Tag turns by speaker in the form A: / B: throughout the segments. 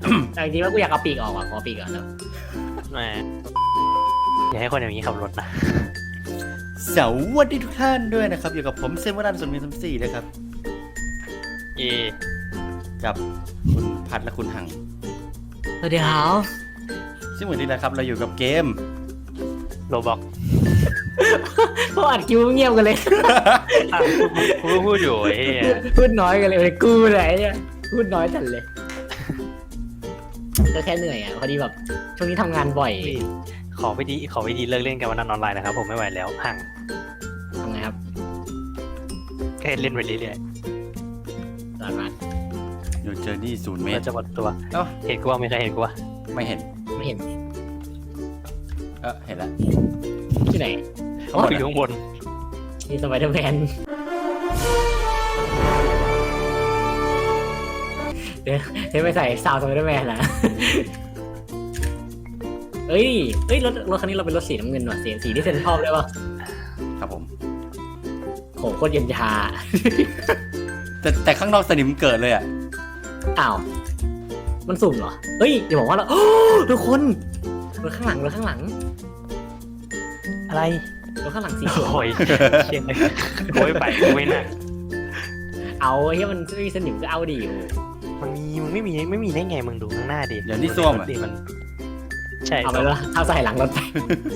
A: แต่จริงๆว่ากูอยากเอาปีกออกว่ะขอปีกก่อนแล้ว
B: แหมอย่าให้คนอย่างนี้ขับรถนะ
C: สวัสดีทุกท่านด้วยนะครับอยู่กับผมเซมวรัน0134นะครับ
B: เอ
C: กับคุณพัดและคุณหัง
A: สวัสดีครับ
C: ซึ่งวันนี้นะครับเราอยู่กับเกม
B: โรบอก
A: พวกอัดคิวเงียบกันเลย
B: กูก็พูดอยู่ไอ้เหี้ย
A: พูดน้อยกันเลยกูเลยเนี่ยพูดน้อยจัดเลยก็แค่เหนื่อยอ่ะพอดีแบบช่วงนี้ทำงานบ่อย
B: ขอวิธีเลิกเล่นกันวันนั้นออนไลน์นะครับผมไม่ไหวแล้วห่าง
A: ทำไงครับ
B: แค่เล่นไปเรื่อย
A: ตอนมา
C: อยู่เจอนี่0 เม
B: ๆ
C: ต
B: เรา
C: ร
B: จะหมดตัว
C: เอ้า
B: เห็นกูว่าไม่เคยเห็นกูว่า
C: ไม่เห็น
A: ไม่เห็น
C: เห็นแล้ว
A: ที่ไหน
C: เขาหมด
B: อยู่ข้างบน
A: นี่สไปเดอร์แมนเดี๋ยวไปใส่ซาวสไปเดอร์แมนนะเอ้ยรถคันนี้เราเป็นรถสีน้ำเงินว่ะสีที่เซนชอบได้ป่ะ
C: ครับผม
A: โหโคตรเย็นชา
C: แต่ข้างนอกสนิมเกิดเลยอ่ะ
A: อ้าวมันสุ่มเหรอเฮ้ยอย่าบอกว่าเราทุกคนรถข้างหลัง
B: อะไร
A: รถข้างหลังสีเขียว
B: โอ้ยเชี่ยเลยโอ้ยไปกูไม่น่ะ
A: เอาเฮ้ยมันไม่มีสนิมก็เอาดิ
B: มันไม่มีได้ไงมึงดูข้างหน้าดิ
C: เดี๋ยวนี่ส้วมอ่ะ
B: ดิมันใช่
A: เอาไปแล้วเอาใส่หลังรถไป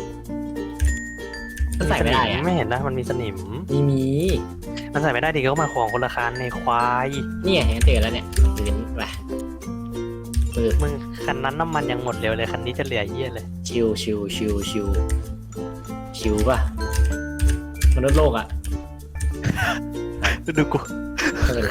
A: มันใส่ไม่ได้อะ
B: ไม่เห็นนะมันมีสนิม
A: มี
B: มันใส่ไม่ได้ดิก็มาของคนละคันในควาย
A: นี่ไงเห็นเจอแล้วเนี่ยยืนไปปึ๊บ
B: มึงคันนั้นน้ำมันยังหมดเร็วเลยคันนี้จะเหลือเยี่ยเลย
A: ชิวป่ะมนุษย์โลกอ่ะ
B: ดูกู
A: ไม่เป็นไร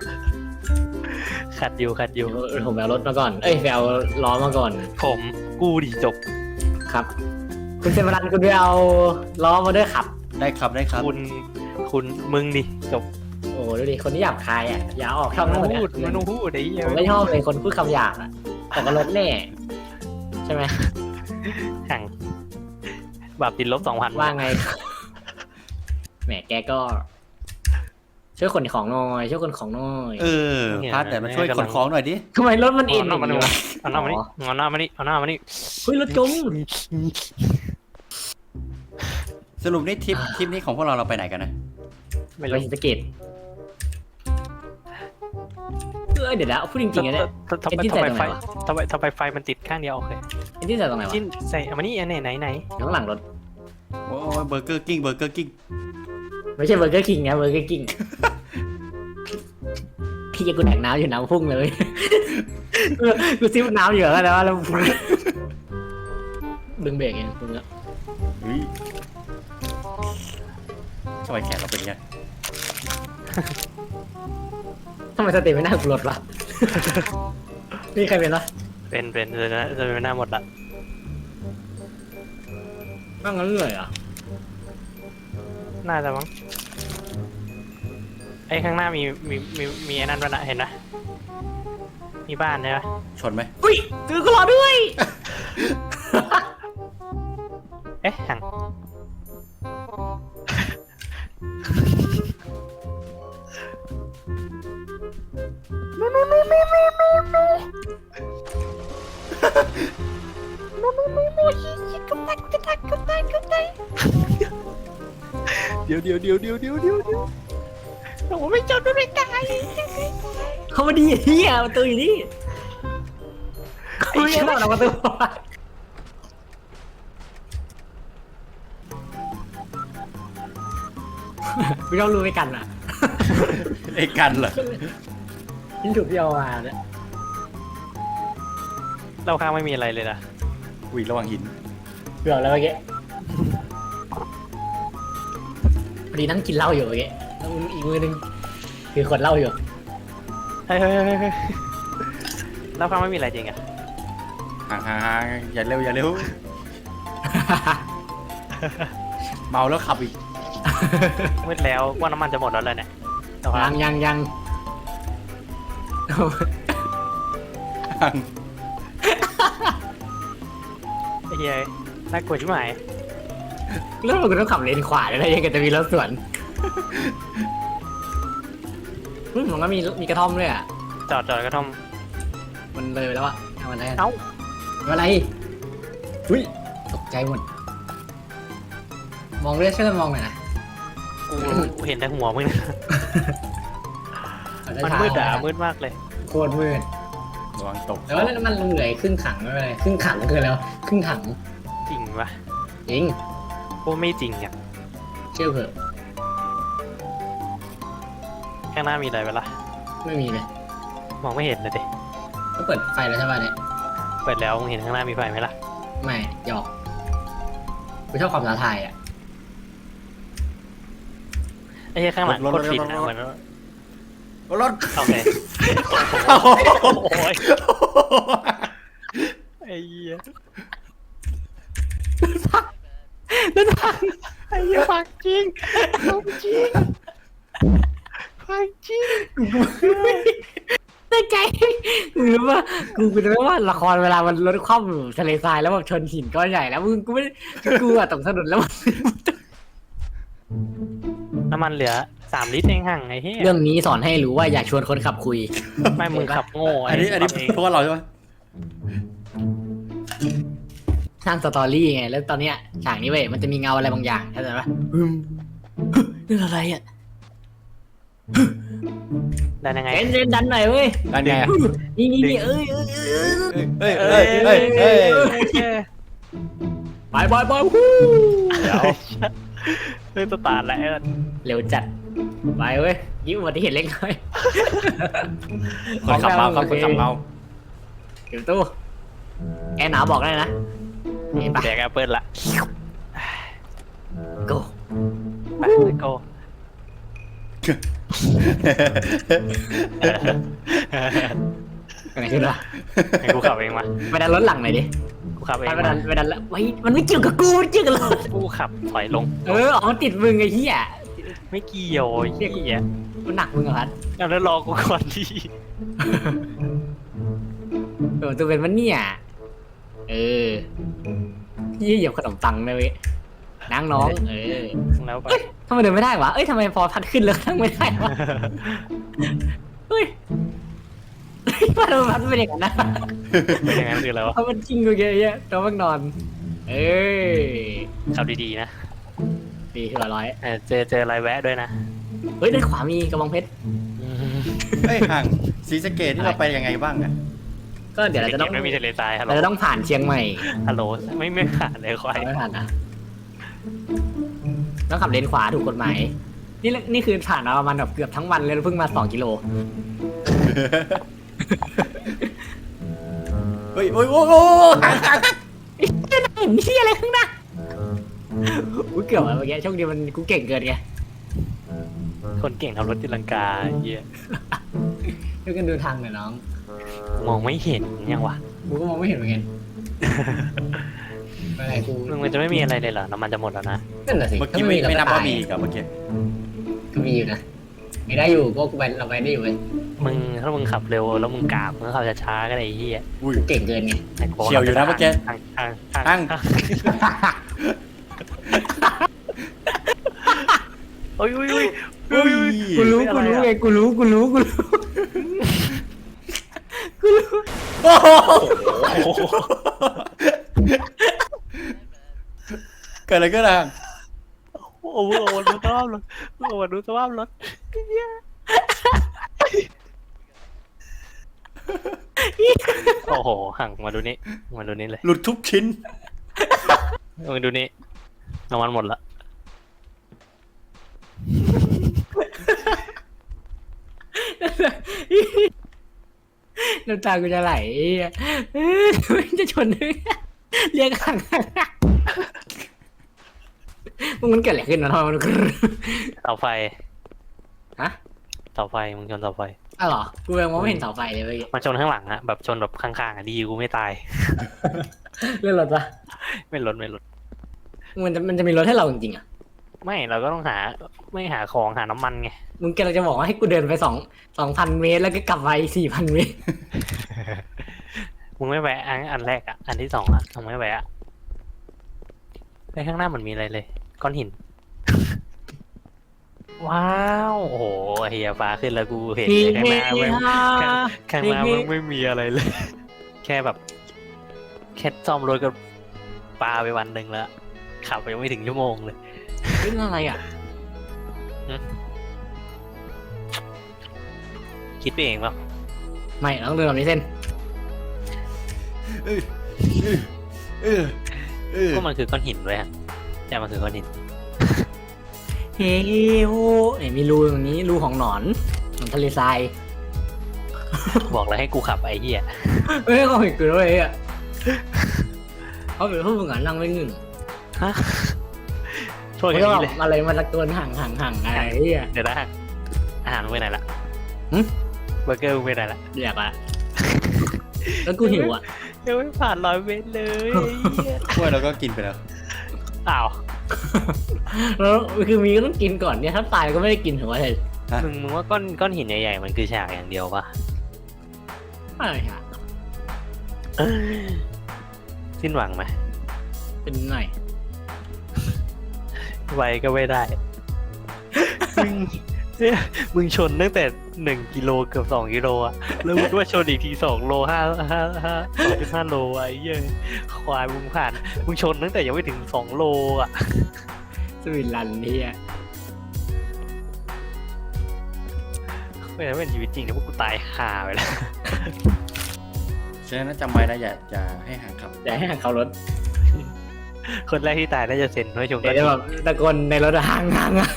B: ขัดอยู่
A: เดี๋ยวผมไปเอารถมาก่อนเอ้ยไปเอาล้อมาก่อน
B: ผมกูดิจบ
A: ครับ คุณเซมรันคุณไปเอาล้อมาด้วยขับ
C: ได้ครับได้ครับ
B: คุณมึงดิจบ
A: โอ้ดูดิคนที่หยาบคายอ่ะอย่าออกช่อง
B: มั
A: นั้น นหมด
B: พูด
A: เนี่ย
B: มันพูดไอ้เหี้ย
A: ผมไม่ชอบเลยคนพูดคำหยาบอ่ะแต่ก็ลดแน่ใช่ไหม
B: ห่างบาปติดลบ2,000
A: ว่าไงแหมแกก็ช่วยขนของหน่อยช่วยขนของหน่อย
C: พัดแต่มาช่วยขนของหน่อยดิ
A: ทำไมรถมัน
B: เอา
A: เอ็น
B: หน้ามานี่
A: วะ
B: เอาหน้ามานี่เอาหน้ามานี่เอาหน้ามานี่
A: เฮ้ยรถจม
C: สรุปนี่ทริปนี้ของพวกเราไปไหนกันนะ
B: ไม่
A: ไป
B: รู้
A: ศรีสะเกษเดี๋ยวนะพูดจริงๆนะเนี่ย
B: ทำไม
A: เอ็นจิ้นใส่ตรงไหนวะ
B: ทำไมไฟมันติดข้างเดียวโอเค
A: ไอ้ที่ใส่ตรงไหนวะ
B: จิ้นใส่เอามานี่อันไหน
A: ข้างหลังรถ
C: โอ้ยเบอร์เกอร์กิ้ง
A: ไม่ใช่เบอร์เกอร์คิงนะเบอร์เกอร์คิงพี่กูแดกน้ำอยู่น้ำพุ่งเลยกูซิ้วน้ำอยู่แล้วนะแล้วดึงเบรกเองคุณเนี่ย
C: เฮ้ยทำไมแขนเราเป็นไง
A: ทำไมสเตปไม่น่ากูรถวะนี่ใครเป็นวะ
B: เป็นจะเป็นหน้าหมดละ
A: บ้างงั้นเลยอ่ะ
B: น่าจะมั้งไอ้ข้างหน้ามีไอ้นั่นด้วยนะเห็นนะมีบ้านใช่ไหม
C: ชนไหม
A: อุ้ยคือกูรอด้วย
B: เอ๊ะห่างเดี๋ยวผมไม่จอดไม่ได้
A: เขามาดีเฮียประตูอยู่นี่เขาไม่ได้หรอกประตูไม่ต้องรู้ไปกันอ่ะ
C: ไอ้กันเหรอ
A: ยิ่งถูกที่เอามาเนี่ย
B: เราข้างไม่มีอะไรเลยนะ
C: อุ้ยระวังหิน
A: เกือบแล้วเมื่อกี้พอดีนั่งกินเหล้าอยู่เมื่อกี้แล้วอีกมือนึงคือขวดเหล้าอยู่
B: เฮ้ยเราข้างไม่มีอะไรจริงอะ
C: ห่างอย่าเร็ว เมาแล้วขับอีก
B: มืดแล้วว่าน้ำมันจะหมดแล้วเลยเนี่ยเราข้าง
A: ยัง
C: ห่าง
B: ไอ้เหี้ยน่ากลัวชิบหาย
A: แล้วมันก็ต้องขับเลนขวาเลยนะยังจะมีรถสวนมันก็มีกระท่อมด้วยอ่ะ
B: จอดก็ต้อง
A: มันเลยไปแล้วอะเอาอะไร
B: เอ้า
A: อะไรอุ้ยตกใจหมดมองเรื่อยช่วยกันมองหน่อยนะ
B: กูเห็นแต่หัวมึงนะ
A: เอา
B: มัน
A: ช้าๆ
B: มืดอะมืดมากเลย
A: โคตรมืด
C: ระวังตก
A: แต่ว่านั่นมันเหลือครึ่งขังไม่เป็นไรครึ่งขังคืออะไรวะครึ่งถัง
B: จริงปะ
A: จริง
B: กูไม่จริงอ่ะ
A: เชื่อเถอะ
B: ข้างหน้ามีอะไรไปละ
A: ไม่มีเลย
B: มองไม่เห็นเลยดิ
A: ก็เปิดไฟแล้วใช่ป่ะเนี่ย
B: เปิดแล้วมึงเห็นข้างหน้ามีไฟไหมล่ะ
A: ไม่หยอกกูชอบความท้าทายอ่ะ
B: ไอ้เหี้ยข้างหลังโคตรฟินอะเหมือน
C: รถ
B: โอเคโอ้ยไอ้เหี้ยไอ้เหี้ยฟังจริงฟังจริงฟังจริง
A: ได้ใจกูรู้ว่ากูจะไม่ว่าละครเวลามันรถคว่ำอยู่ทะเลทรายแล้วแบบชนหินก้อนใหญ่แล้วมึงกูไม่กูอะตกถนนแล้ว
B: น้ำมันเหลือ3 ลิตรเองห่างไอ้เหี้ย
A: เรื่องนี้สอนให้รู้ว่าอย่าชวนคนขับคุย
B: ไม่มึงขับโง่
C: อันนี้
B: ขับเอง
C: เพราะว่าเราใช่ไหม
A: สร้างสตอรี่ไงแล้วตอนเนี้ยฉากนี้เว้ยมันจะมีเงาอะไรบางอย่างเข้าใจปะเรื่องอะไรอ่ะ
B: ได้ยังไง
A: เซนดันหน่อยเว้ย
C: ด้านไงอะ
A: นี่เอ้ย
C: เอ้ยเอ้ยเอ้ยเอ้ยเอ้ย
A: ไปฮู้
B: เดี๋ยวเฮ้ยสตาร์ทแล้ว
A: เร็วจัดไปเว้ยยิ้มอุบัติเหตุเล็กน้อย
C: คนขับเมาครับคนขับเมา
A: เดี๋ยวตู้แอร์หนาวบอกได้นะนี่ไป
B: แดกแอปเปิลละ
A: โก้
B: ไปโก้
A: อะไรขึ้นวะ
B: ให้กูขับเองมา
A: ไปดันรถหลังหน่อยดิ
B: กูขับเอง
A: ไป
B: มา
A: ดันแล้วไว้มันไม่เกี่ยวกับกูมันเกี่ยวกับรถ
B: กูขับถอยลง
A: ออกมันติดมึงไอ้เหี้ย
B: ไม่เกี่ยวไอ้เหี้ย
A: มันหนักมึงเหรอพัด
B: แล้วรอกูก่อนดิ
A: ตัวเป็นมันเนี่ยยี่เหยียบขนมปังเลยเว้ยนั่งน้อง
B: แล้วไป
A: ทำไมเดินไม่ได้วะเอ้ยทำไมพอพัดขึ้นแล้วนั่งไม่ได้วะเฮ้ยพัดเป็นอย่างนั้นนะ
B: เป็นยังไงคืออะไรวะ
A: เพราะมันจริงกูเยอะๆตัวมันนอน
B: ขับดีๆนะ
A: ดีที่ว่าร้อย
B: เจออะไรแวะด้วยนะ
A: เฮ้ยด้านขวามีกระบองเพชร
C: เฮ้ยห่างศรีสะเกษที่เราไปยังไงบ้างอะ
A: ก็เดี๋ยวเราจะต้อง
B: ไม่มีทะเลทรายฮัลโหล
A: เราจะต้องผ่านเชียงใหม่
B: ฮัลโหลไม่ขาดเลยควาย
A: ไม่ผ่านนะต้องขับเลนขวาถูกกฎหมายนี่คือผ่านมาประมาณแบบเกือบทั้งวันเลยเพิ่งมา2 กิโล
C: เฮ้ยโอ้ยโอ้ยโอ้ยห่างห่าง
A: เห็นที่อะไรข้างหน้ากูเกือบอะเมื่อกี้โชคดีมันกูเก่งเกินไง
B: คนเก่งทำรถตีลังกาเหี้ย
A: ช่วยกันดูทางหน่อยน้อง
B: มองไม่เห็นยังวะ
A: กูก็มองไม่เห็นเหมือนกันไม่เป็นไรกู
B: มันจะไม่มีอะไรเลยเหรอน้ำมันจะหมดแล้วนะ
A: นั่นแหละสิ
C: เมื่อกี้ไม่นับว่ามีกับเมื่อกี้
A: ก็มีอยู่นะไม่ได้อยู่ก็กูไปเราไปได้อยู่เว้ย
B: ถ้ามึงขับเร็วแล้วมึงกราบมึงขับช้าๆก็ได้ไอ้เหี้ย
C: อุ้ย
A: กูเก่งเกินไง
C: เฉียวอยู่นะเมื่อกี้
B: ตั้งโอ้ย
C: อุ้ย
A: กูรู้ไงกูรู้
C: โอ้โหเกิดอะไรขึ้นอ่ะ
B: โอ้โหดูสภาพรถดูสภาพรถโอ้โหห่างมาดูนี่เลย
C: หลุดทุกชิ้น
B: มาดูนี่น้ำมันหมดละ
A: น้ำตากูจะไหลมันจะชนเรียกห่างมันเกิดอะไรขึ้นนะทำไมมัน
B: เสาไฟ
A: ฮะ
B: เสาไฟมึงชนเสาไฟ
A: อ้าวเหรอกูยังมองไม่เห็นเสาไฟเลยเว้ย
B: มันชนข้างหลังอะแบบชนแบบข้างๆอะดีกูไม่ตาย
A: เรื่องรถปะ
B: ไม่ลด
A: มันจะมีรถให้เราจริงๆอ่ะ
B: ไม่เราก็ต้องไม่หาของหาน้ำมันไง
A: มึงกำลังจะบอกว่าให้กูเดินไป2,000 เมตรแล้วก็กลับไป4,000 เมตร
B: มึงไม่แวะอันแรกอะอันที่2อะมึงไม่แวะในข้างหน้าเหมือนมีอะไรเลยก้อนหินว้าวโอ้โหเฮียฟ้าขึ้นแล้วกูเห็น
A: เฮ้
B: เลยข้างหน้าไม่
A: ฮ่า
B: ข้างหน้ามันไม่มีอะไรเลย แค่แบบแค่ซ่อมรถก็ปาไปวันหนึ่งแล้วขับไปยังไม่ถึงชั่วโมงเลย
A: เรื่องอะไรอ่ะ
B: คิดไปเองเปล่า
A: ไม่ต้องเดินแบบนี้เส้น
C: เออเออเออ
B: ก็มันคือก้อนหินด้วยฮะใช่มันคือก้อนหิน
A: เฮ้โหเนี่ยมีรูตรงนี้รูของหนอนของทะเลทราย
B: บอกแล้วให้กูขับไอ้เหี้ย
A: เอ้ยเขาเห็นกูด้วยอ่ะเขาเป็นผู้ฝึกงานนั่งไม่เงิน
B: ฮะโทษ
A: เขา
B: อย่า
A: จะ
B: ง
A: แบ
B: นี้เลย
A: บอะไรมาตะโกนห่างอะไรเฮีย
B: เดี๋ยวนะอาหารมึงไปไหนละ
A: หึ
B: เบอร์เกอร์มึงไปไหนละ
A: อยากละแล้วกูหิวอ่ะ
B: ยังไม่ผ่าน100 เมตรเลยไอ้เหี้ย
C: กล้วยเราก็กินไปแล้ว
B: อ้าว
A: แล้วคือมีก็ต้องกินก่อนเนี่ยถ้าตายก็ไม่ได้กินถือว่าอะไร
B: มึงว่าก้อนหินใหญ่ๆมันคือฉากอย่างเดียวปะ
A: อะไรค่ะ
B: สิ้นหวังไหม
A: เป็นหน่อย
B: ไวก็ไม่ได้ มึงเนี่ยมึงชนตั้งแต่1 กิโลเกือบ2 กิโลอะแล้วมึงว่าชนอีกที2 โล2.5 โลอะไอ้เหี้ยควายมึงผ่านมึงชนตั้งแต่ยังไม่ถึง2 โลอะ
A: สวินลันนี่อ่ะ
B: ไม่งั้นเป็นชีวิตจริงนะพวกกูตายห่าไปแล้ว
C: ฉะนั้นจำไว้นะอย่าให้ห่างครับ
A: อย่าให้ห่างเขารถ
B: คนแรกที่ตายน่าจะเซ็นไม่ชง
A: เดี๋
B: ก็
A: ยวจะแบบตะโกนในรถอะห่างอ่ะ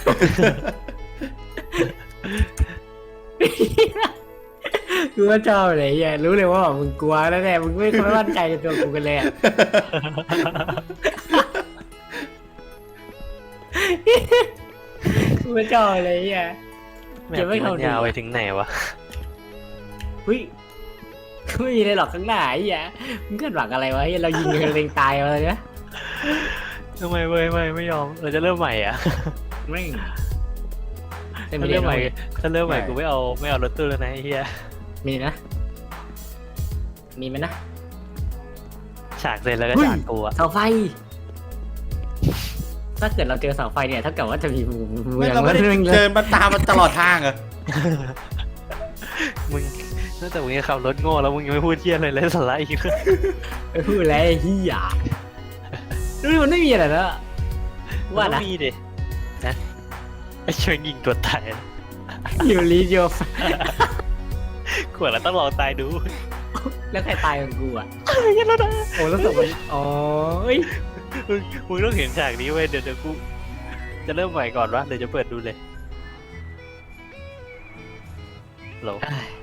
A: กูก็ชอบเลยเฮียรู้เลยว่าแบบมึงกลัวแล้วแน่มึงไม่มั่นใจในตัวกูกันเลยอะกูก็ชอบเลยเฮีย
B: แม่งมันยาวไปถึงไหนวะ
A: เฮ้ยไม่มีอะไรหรอกข้างหน้าไอ้เหี้ยมึงคาดหวังอะไรวะเหี้ยเรายิงกันเองตายมาเลยนะ
B: ทำไมเว้ยไม่ยอมเราจะเริ่มใหม่อ่ะ
A: ไม่ง
B: ถ้าเริ่มใหม่ถ้าเริ่มใหม่กูไม่เอารถตู้แล้วนะไอ้เหี้ย
A: มีนะ มีไหมนะ
B: ฉากเสร็จแล้วก็
A: เฮ้ย
B: ฉากกูอ่ะ
A: เสาไฟ ถ้าเกิดเราเจอเสาไฟเนี่ยเท่ากับว่าจะมีเมื
C: ไม่
A: อง
C: เราไม่ได้
A: เมืองเล
C: เดิ
A: ย
C: นมาตามมันตลอดทางเหรอ
B: มึงตั้งแต่มึงจะขับรถโง่แล้วมึงยังไม่พูดเที่ยอะไรเลยสาระอีก
A: ไปพูดแล้วไอ้เหี้ยดูมันไม่มีอะไรแล้วว่านะ
B: มีดินะไอ้ช่วยยิงตัวตายนะ
A: อยู่รีโย
B: ขวดแล้วต้องลองตายดู
A: แล้วใครตายกับกูอ่ะ
B: ยันแล้วนะ
A: โอ้แล้วศพมันอ๋อเอ้ย
B: มึงต้องเห็นฉากนี้เว้ยเดี๋ยวกูจะเริ่มใหม่ก่อนวะเดี๋ยวจะเปิดดูเลยโหล